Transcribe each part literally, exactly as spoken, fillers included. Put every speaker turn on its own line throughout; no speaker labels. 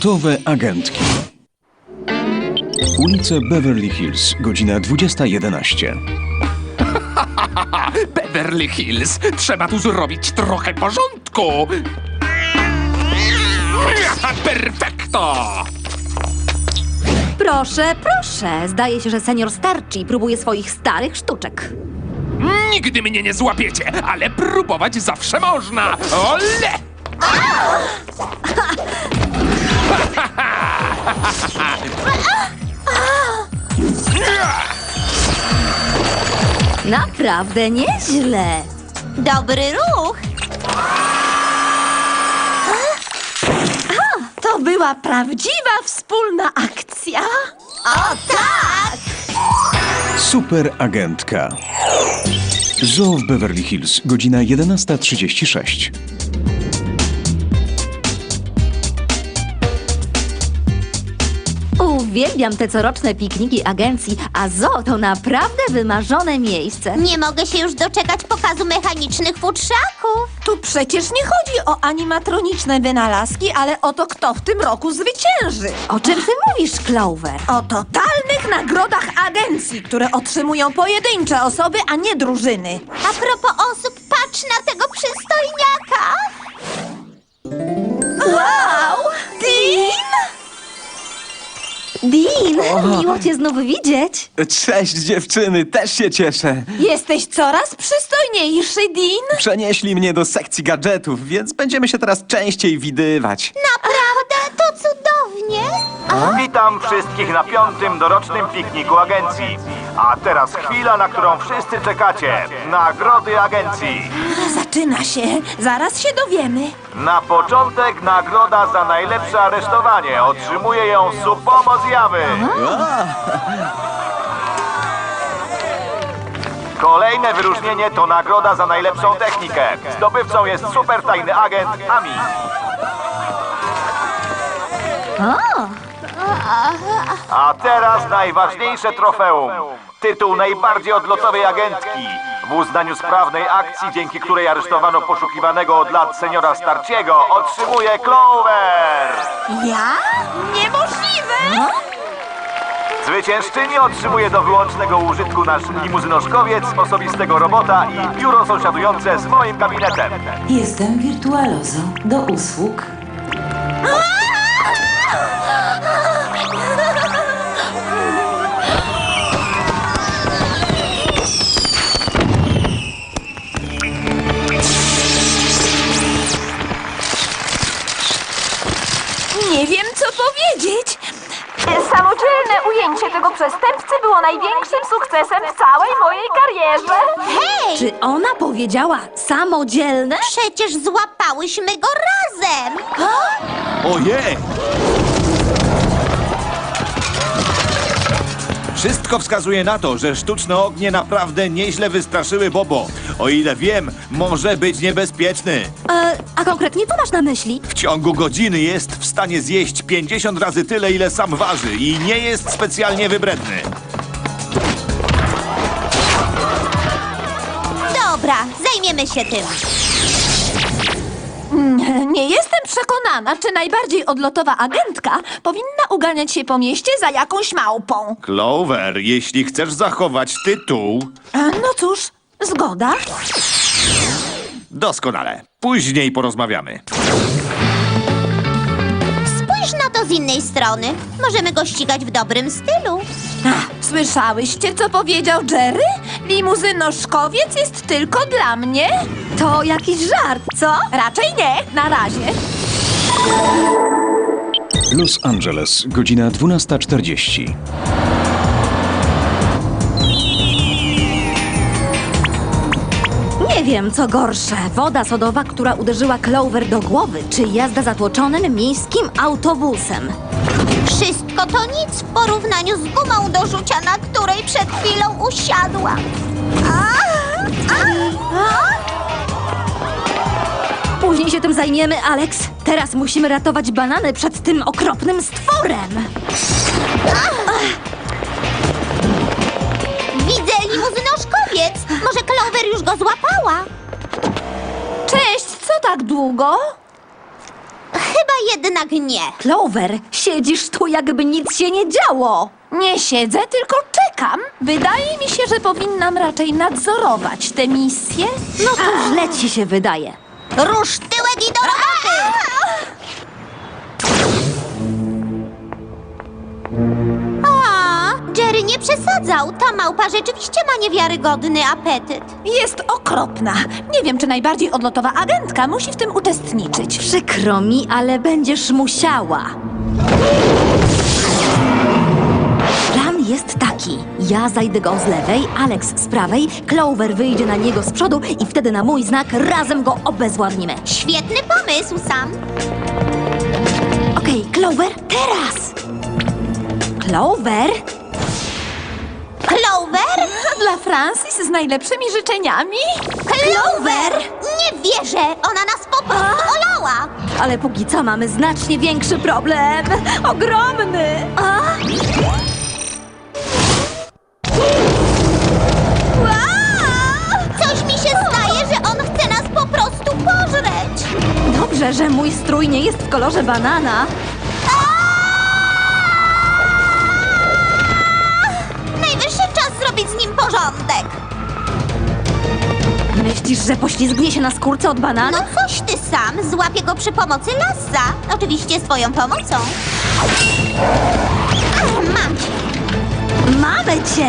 Gotowe agentki. Ulice Beverly Hills, godzina dwudziesta jedenaście.
Beverly Hills, trzeba tu zrobić trochę porządku. Perfekto!
Proszę, proszę. Zdaje się, że senior Starchi próbuje swoich starych sztuczek.
Nigdy mnie nie złapiecie, ale próbować zawsze można. Ole!
Naprawdę nieźle.
Dobry ruch!
To była prawdziwa wspólna akcja.
O tak!
Super agentka. Zoo w Beverly Hills, godzina jedenasta trzydzieści sześć.
Uwielbiam te coroczne pikniki agencji, a zoo to naprawdę wymarzone miejsce.
Nie mogę się już doczekać pokazu mechanicznych futrzaków.
Tu przecież nie chodzi o animatroniczne wynalazki, ale o to, kto w tym roku zwycięży.
O czym ty mówisz, Clover?
O totalnych nagrodach agencji, które otrzymują pojedyncze osoby, a nie drużyny.
A propos osób, patrz na tego przystojniaka!
Wow! Dean!
Dean, miło cię znów widzieć.
Cześć dziewczyny, też się cieszę.
Jesteś coraz przystojniejszy, Dean.
Przenieśli mnie do sekcji gadżetów, więc będziemy się teraz częściej widywać.
Naprawdę? To cudownie!
Witam wszystkich na piątym dorocznym pikniku agencji. A teraz chwila, na którą wszyscy czekacie. Nagrody agencji.
Zaczyna się. Zaraz się dowiemy.
Na początek nagroda za najlepsze aresztowanie. Otrzymuje ją Supomo Zjawy. Kolejne wyróżnienie to nagroda za najlepszą technikę. Zdobywcą jest super tajny agent Ami. A teraz najważniejsze trofeum. Tytuł najbardziej odlotowej agentki. W uznaniu sprawnej akcji, dzięki której aresztowano poszukiwanego od lat seniora Starchiego, otrzymuje Clover.
Ja? Niemożliwe!
Zwyciężczyni otrzymuje do wyłącznego użytku nasz limuzynoszkowiec, osobistego robota i biuro sąsiadujące z moim gabinetem.
Jestem Wirtualozo. Do usług.
Nie wiem, co powiedzieć.
Samodzielne ujęcie tego przestępcy było największym sukcesem w całej mojej karierze.
Hej!
Czy ona powiedziała samodzielne?
Przecież złapałyśmy go razem!
Ojej! Wszystko wskazuje na to, że sztuczne ognie naprawdę nieźle wystraszyły Bobo. O ile wiem, może być niebezpieczny.
E, a konkretnie co masz na myśli?
W ciągu godziny jest w stanie zjeść pięćdziesiąt razy tyle, ile sam waży i nie jest specjalnie wybredny.
Dobra, zajmiemy się tym.
Nie jestem przekonana, czy najbardziej odlotowa agentka powinna uganiać się po mieście za jakąś małpą.
Clover, jeśli chcesz zachować tytuł...
E, No cóż, zgoda.
Doskonale. Później porozmawiamy.
Spójrz na to z innej strony. Możemy go ścigać w dobrym stylu.
Ach, słyszałyście, co powiedział Jerry? Limuzynoszkowiec jest tylko dla mnie?
To jakiś żart, co?
Raczej nie, na razie.
Los Angeles, godzina dwunasta czterdzieści.
Nie wiem, co gorsze. Woda sodowa, która uderzyła Clover do głowy, czy jazda zatłoczonym miejskim autobusem.
Wszystko to nic w porównaniu z gumą do rzucia, na której przed chwilą usiadła. A, a, a.
Później się tym zajmiemy, Alex. Teraz musimy ratować banany przed tym okropnym stworem.
Widzę limuzynoszkowiec. Może Clover już go złapała?
Cześć, co tak długo?
Chyba jednak nie.
Clover, siedzisz tu, jakby nic się nie działo.
Nie siedzę, tylko czekam. Wydaje mi się, że powinnam raczej nadzorować tę misję.
No to źle ci się wydaje.
Rusz tyłek i do roboty! A, Jerry nie przesadzał. Ta małpa rzeczywiście ma niewiarygodny apetyt.
Jest okropna. Nie wiem, czy najbardziej odlotowa agentka musi w tym uczestniczyć.
Przykro mi, ale będziesz musiała. Plan jest taki. Ja zajdę go z lewej, Alex z prawej, Clover wyjdzie na niego z przodu i wtedy na mój znak razem go obezwładnimy.
Świetny pomysł, Sam.
Okej, Clover, teraz! Clover?
Clover?
Dla Francis z najlepszymi życzeniami.
Clover! Nie wierzę! Ona nas po prostu olała!
Ale póki co mamy znacznie większy problem. Ogromny! A?
Coś mi się zdaje, że on chce nas po prostu pożreć!
Dobrze, że mój strój nie jest w kolorze banana.
Najwyższy czas zrobić z nim porządek!
Myślisz, że poślizgnie się na skórce od banana?
No coś ty sam, złapię go przy pomocy lasa. Oczywiście z twoją pomocą. Ach, mam cię!
Mamy cię!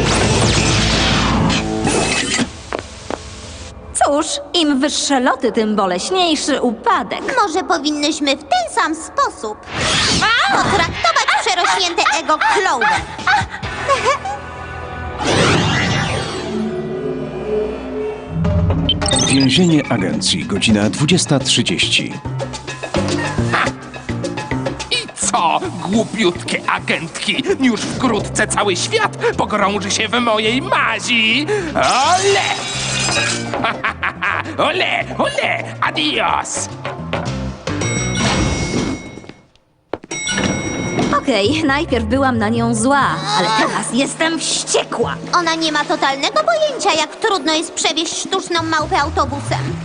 Cóż, im wyższe loty, tym boleśniejszy upadek.
Może powinnyśmy w ten sam sposób potraktować przerośnięte ego Clover.
Więzienie agencji, godzina dwudziesta trzydzieści.
I co, głupiutkie agentki? Już wkrótce cały świat pogrąży się w mojej mazi. Ole! Ole, ole, adios!
Okej, najpierw byłam na nią zła, ale teraz jestem wściekła.
Ona nie ma totalnego pojęcia, jak trudno jest przewieźć sztuczną małpę autobusem.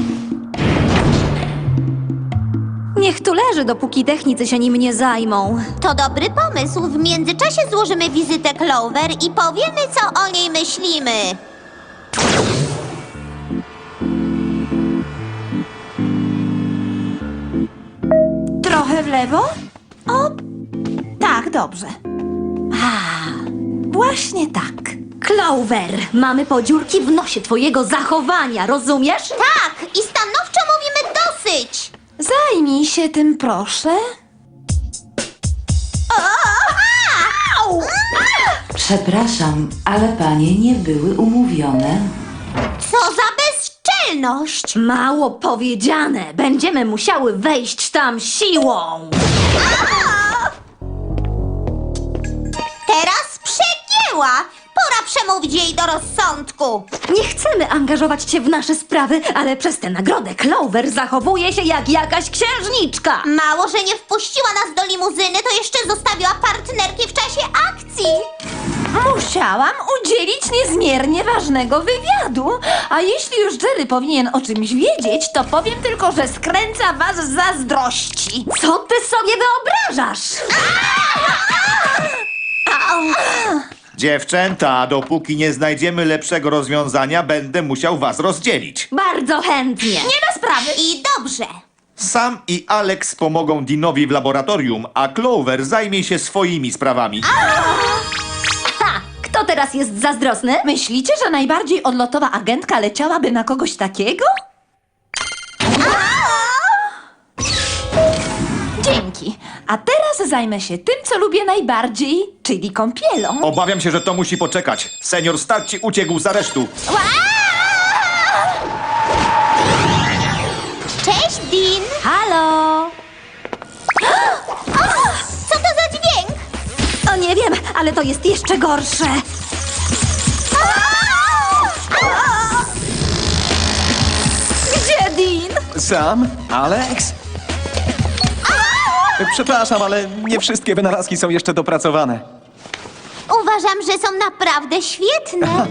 Niech tu leży, dopóki technicy się nim nie zajmą.
To dobry pomysł. W międzyczasie złożymy wizytę Clover i powiemy, co o niej myślimy.
Trochę w lewo? O, tak, dobrze. A, właśnie tak.
Clover, mamy podziurki w nosie twojego zachowania, rozumiesz?
Tak, i stanowczo mówimy dosyć.
Zajmij się tym, proszę.
Przepraszam, ale panie nie były umówione.
Co za bezczelność!
Mało powiedziane, będziemy musiały wejść tam siłą.
Teraz przegięła! Pora przemówić jej do rozsądku.
Nie chcemy angażować cię w nasze sprawy, ale przez tę nagrodę Clover zachowuje się jak jakaś księżniczka.
Mało, że nie wpuściła nas do limuzyny, to jeszcze zostawiła partnerki w czasie akcji.
Musiałam udzielić niezmiernie ważnego wywiadu. A jeśli już Jerry powinien o czymś wiedzieć, to powiem tylko, że skręca was z zazdrości.
Co ty sobie wyobrażasz?
Dziewczęta, dopóki nie znajdziemy lepszego rozwiązania, będę musiał was rozdzielić.
Bardzo chętnie.
Nie ma sprawy.
I dobrze.
Sam i Alex pomogą Deanowi w laboratorium, a Clover zajmie się swoimi sprawami.
Ha! Kto teraz jest zazdrosny?
Myślicie, że najbardziej odlotowa agentka leciałaby na kogoś takiego? Dzięki. A teraz zajmę się tym, co lubię najbardziej, czyli kąpielą.
Obawiam się, że to musi poczekać. Senior Starci uciekł z aresztu.
Cześć, Dean.
Halo?
Co to za dźwięk?
O, nie wiem, ale to jest jeszcze gorsze. Gdzie Dean?
Sam? Alex? Przepraszam, ale nie wszystkie wynalazki są jeszcze dopracowane.
Uważam, że są naprawdę świetne.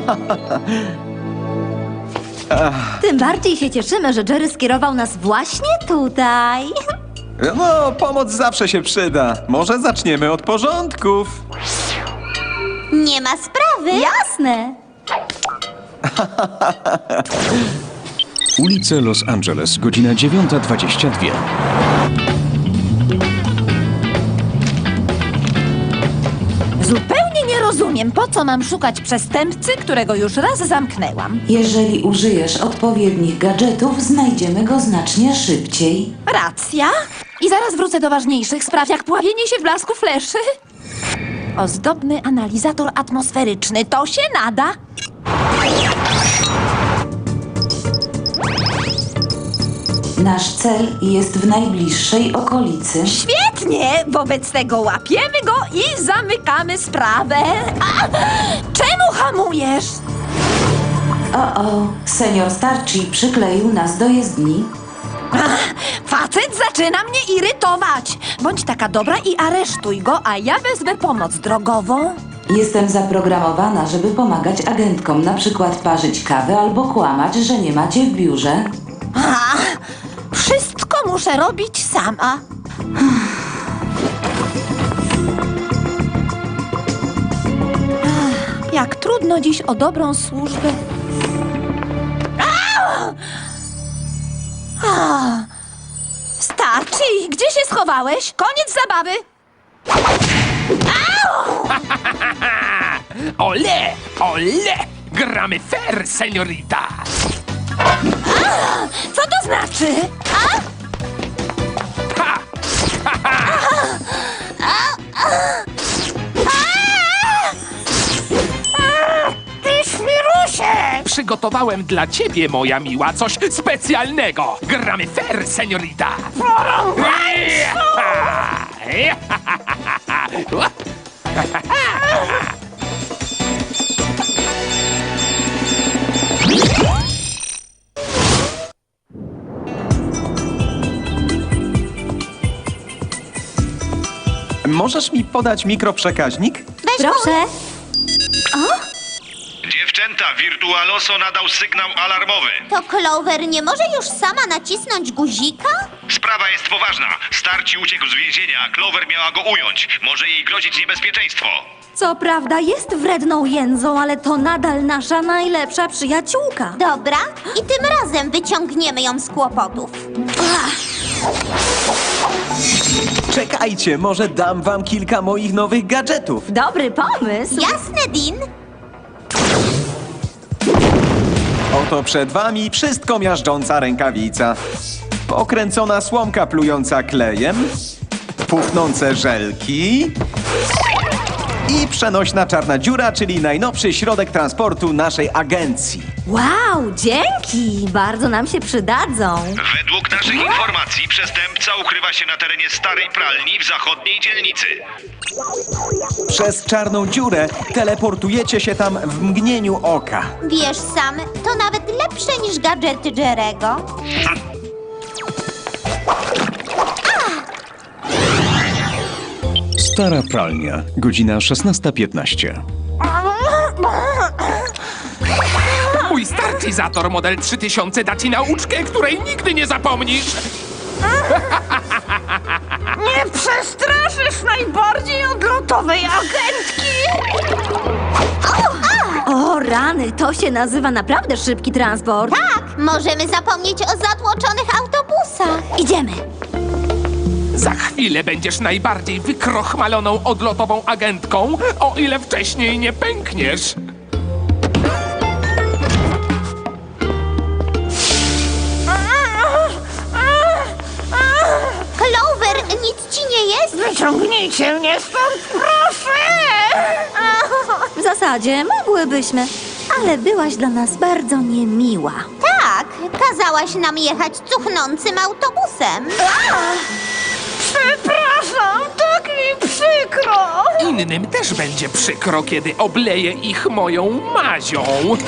Tym bardziej się cieszymy, że Jerry skierował nas właśnie tutaj.
No, pomoc zawsze się przyda. Może zaczniemy od porządków.
Nie ma sprawy.
Jasne.
Ulice Los Angeles, godzina dziewiąta dwadzieścia dwa.
Zupełnie nie rozumiem, po co mam szukać przestępcy, którego już raz zamknęłam.
Jeżeli użyjesz odpowiednich gadżetów, znajdziemy go znacznie szybciej.
Racja. I zaraz wrócę do ważniejszych spraw, jak pławienie się w blasku fleszy. Ozdobny analizator atmosferyczny. To się nada.
Nasz cel jest w najbliższej okolicy.
Świetnie! Wobec tego łapiemy go i zamykamy sprawę. A! Czemu hamujesz?
O, o, senior Starczy przykleił nas do jezdni.
Ach, facet zaczyna mnie irytować. Bądź taka dobra i aresztuj go, a ja wezmę pomoc drogową.
Jestem zaprogramowana, żeby pomagać agentkom, na przykład parzyć kawę albo kłamać, że nie macie w biurze.
A, wszystko muszę robić sama. Ach, jak trudno dziś o dobrą służbę. Au! A, Starczy! Gdzie się schowałeś? Koniec zabawy!
Ole, ole! Gramy fair, seniorita!
Co to znaczy?
Ha! Ha, ha.
Ty szmirusie!
Przygotowałem dla ciebie, moja miła, coś specjalnego! Gramy fair, seniorita!
Możesz mi podać mikroprzekaźnik?
Weź
Proszę.
Dziewczęta, Virtualoso nadał sygnał alarmowy.
To Clover nie może już sama nacisnąć guzika?
Sprawa jest poważna. Starci uciekł z więzienia, a Clover miała go ująć. Może jej grozić niebezpieczeństwo.
Co prawda jest wredną jędzą, ale to nadal nasza najlepsza przyjaciółka.
Dobra, i tym razem wyciągniemy ją z kłopotów.
Czekajcie, może dam wam kilka moich nowych gadżetów.
Dobry pomysł.
Jasne, Dean?
Oto przed wami wszystko miażdżąca rękawica. Pokręcona słomka plująca klejem, puchnące żelki i przenośna czarna dziura, czyli najnowszy środek transportu naszej agencji.
Wow, dzięki. Bardzo nam się przydadzą.
Według naszych informacji przestępca ukrywa się na terenie starej pralni w zachodniej dzielnicy.
Przez czarną dziurę teleportujecie się tam w mgnieniu oka.
Wiesz sam, to nawet lepsze niż gadżety Jerego.
Stara pralnia, godzina szesnasta piętnaście.
Mój starczyzator model trzy tysiące da ci nauczkę, której nigdy nie zapomnisz!
Nie przestraszysz najbardziej odlotowej agentki!
O rany, to się nazywa naprawdę szybki transport.
Tak, możemy zapomnieć o zatłoczonych autobusach.
Idziemy.
Za chwilę będziesz najbardziej wykrochmaloną odlotową agentką, o ile wcześniej nie pękniesz.
Clover, nic ci nie jest?
Wyciągnijcie mnie stąd, proszę!
W zasadzie mogłybyśmy, ale byłaś dla nas bardzo niemiła.
Tak, kazałaś nam jechać cuchnącym autobusem.
Przepraszam, tak mi przykro!
Innym też będzie przykro, kiedy obleję ich moją mazią.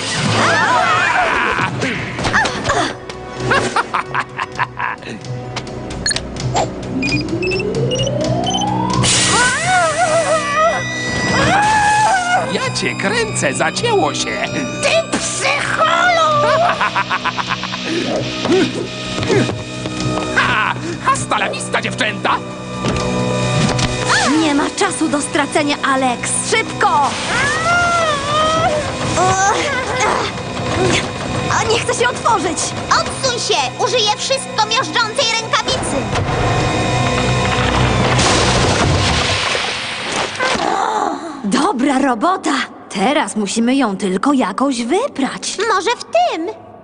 Ja cię kręcę, zacięło się.
Ty psycholu!
Ha! Hasta la vista, dziewczęta!
Nie ma czasu do stracenia, Alex! Szybko! A nie chcę się otworzyć!
Odsuń się! Użyję wszystko miażdżącej rękawicy!
Dobra robota! Teraz musimy ją tylko jakoś wyprać.
Może w tym?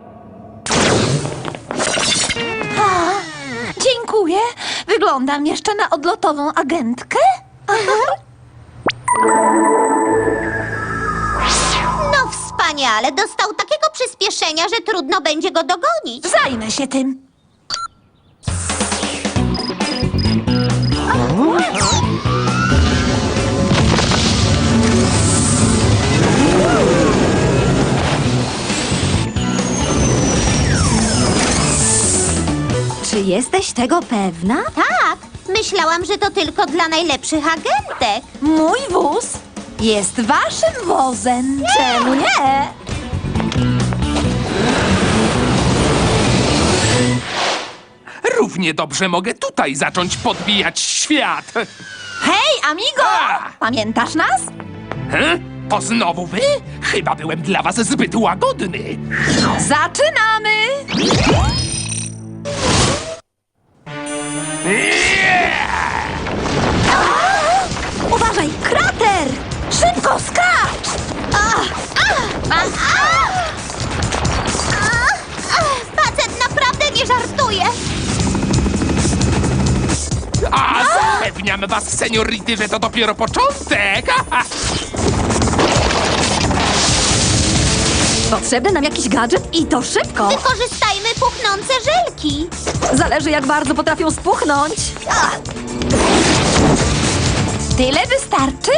Dziękuję. Wyglądam jeszcze na odlotową agentkę?
No wspaniale! Dostał takiego przyspieszenia, że trudno będzie go dogonić.
Zajmę się tym.
Czy jesteś tego pewna?
Tak! Myślałam, że to tylko dla najlepszych agentek.
Mój wóz jest waszym wozem. Czemu nie?
Równie dobrze mogę tutaj zacząć podbijać świat.
Hej, amigo!
A!
Pamiętasz nas?
He? To znowu wy? Chyba byłem dla was zbyt łagodny.
Zaczynamy!
Uważaj, krater!
Szybko, skacz!
Facet naprawdę nie żartuje.
A zapewniam was, seniority, że to dopiero początek.
Potrzebny nam jakiś gadżet i to szybko!
Wykorzystajmy puchnące żelki.
Zależy, jak bardzo potrafią spuchnąć.
Tyle wystarczy?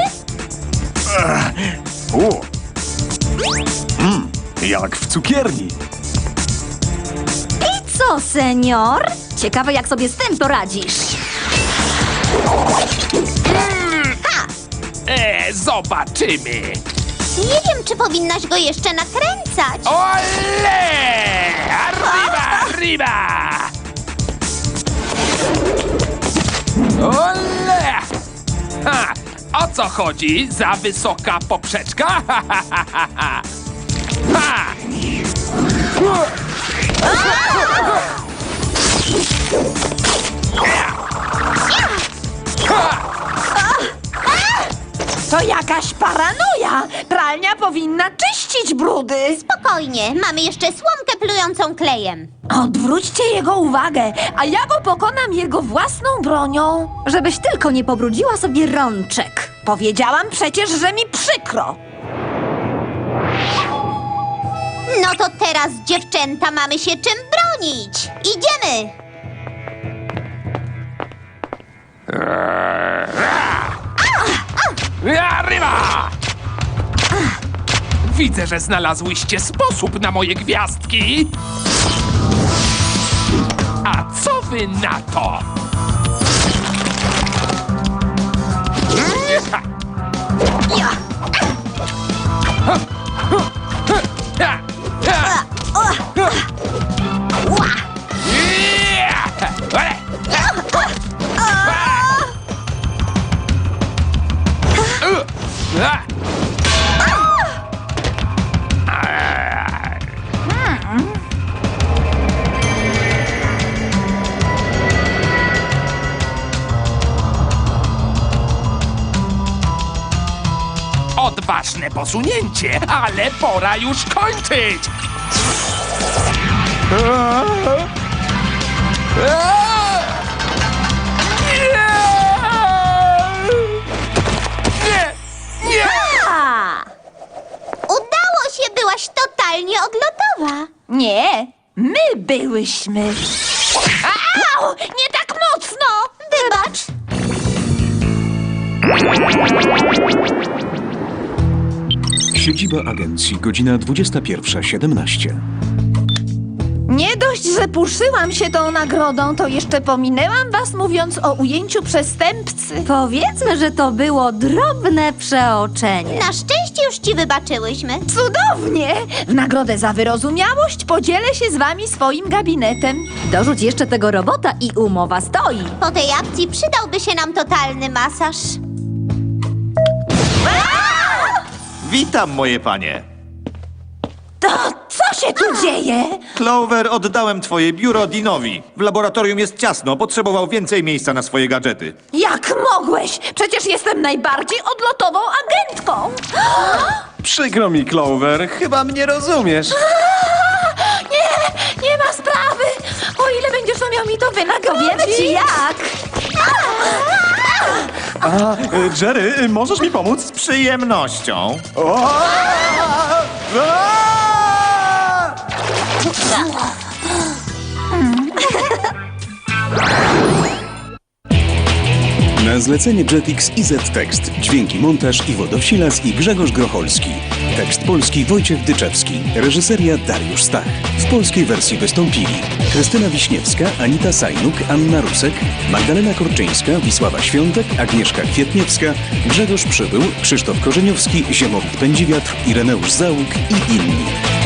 O! Mm, jak w cukierni.
I co, senior? Ciekawe, jak sobie z tym poradzisz.
E, zobaczymy.
Nie wiem, czy powinnaś go jeszcze nakręcać.
Ole! Arriba, arriba! Ole! Ha! O co chodzi? Za wysoka poprzeczka? Ha! ha, ha, ha, ha. Ha!
To jakaś paranoja! Pralnia powinna czyścić brudy!
Spokojnie, mamy jeszcze słomkę plującą klejem.
Odwróćcie jego uwagę, a ja go pokonam jego własną bronią.
Żebyś tylko nie pobrudziła sobie rączek.
Powiedziałam przecież, że mi przykro.
No to teraz, dziewczęta, mamy się czym bronić. Idziemy!
Arriba! Widzę, że znalazłyście sposób na moje gwiazdki. A co wy na to? Odważne posunięcie, ale pora już kończyć! Nie! Nie!
A! Udało się, byłaś totalnie odlotowa.
Nie, my byłyśmy. Au! Nie tak mocno!
Wybacz.
Siedziba agencji, godzina dwudziesta pierwsza siedemnaście.
Nie do Dość, że puszyłam się tą nagrodą, to jeszcze pominęłam was, mówiąc o ujęciu przestępcy.
Powiedzmy, że to było drobne przeoczenie.
Na szczęście już ci wybaczyłyśmy.
Cudownie! W nagrodę za wyrozumiałość podzielę się z wami swoim gabinetem.
Dorzuć jeszcze tego robota i umowa stoi.
Po tej akcji przydałby się nam totalny masaż.
Witam, moje panie.
To co się tu dzieje?
Clover, oddałem twoje biuro Deanowi. W laboratorium jest ciasno, potrzebował więcej miejsca na swoje gadżety.
Jak mogłeś? Przecież jestem najbardziej odlotową agentką.
Przykro mi, Clover, chyba mnie rozumiesz.
Nie, nie ma sprawy. O ile będziesz umiał mi to wynagrodzić.
Wiemy ci jak.
A, y, Jerry, y, możesz mi pomóc?
Z przyjemnością.
O! A!
Na zlecenie Jetix i Z-Tekst. Dźwięki, montaż Iwo Dowsilas i Grzegorz Grocholski. Tekst polski Wojciech Dyczewski. Reżyseria Dariusz Stach. W polskiej wersji wystąpili Krystyna Wiśniewska, Anita Sajnuk, Anna Rusek, Magdalena Korczyńska, Wisława Świątek, Agnieszka Kwietniewska, Grzegorz Przybył, Krzysztof Korzeniowski, Ziemowit Pędziwiatr, Ireneusz Załuk i inni.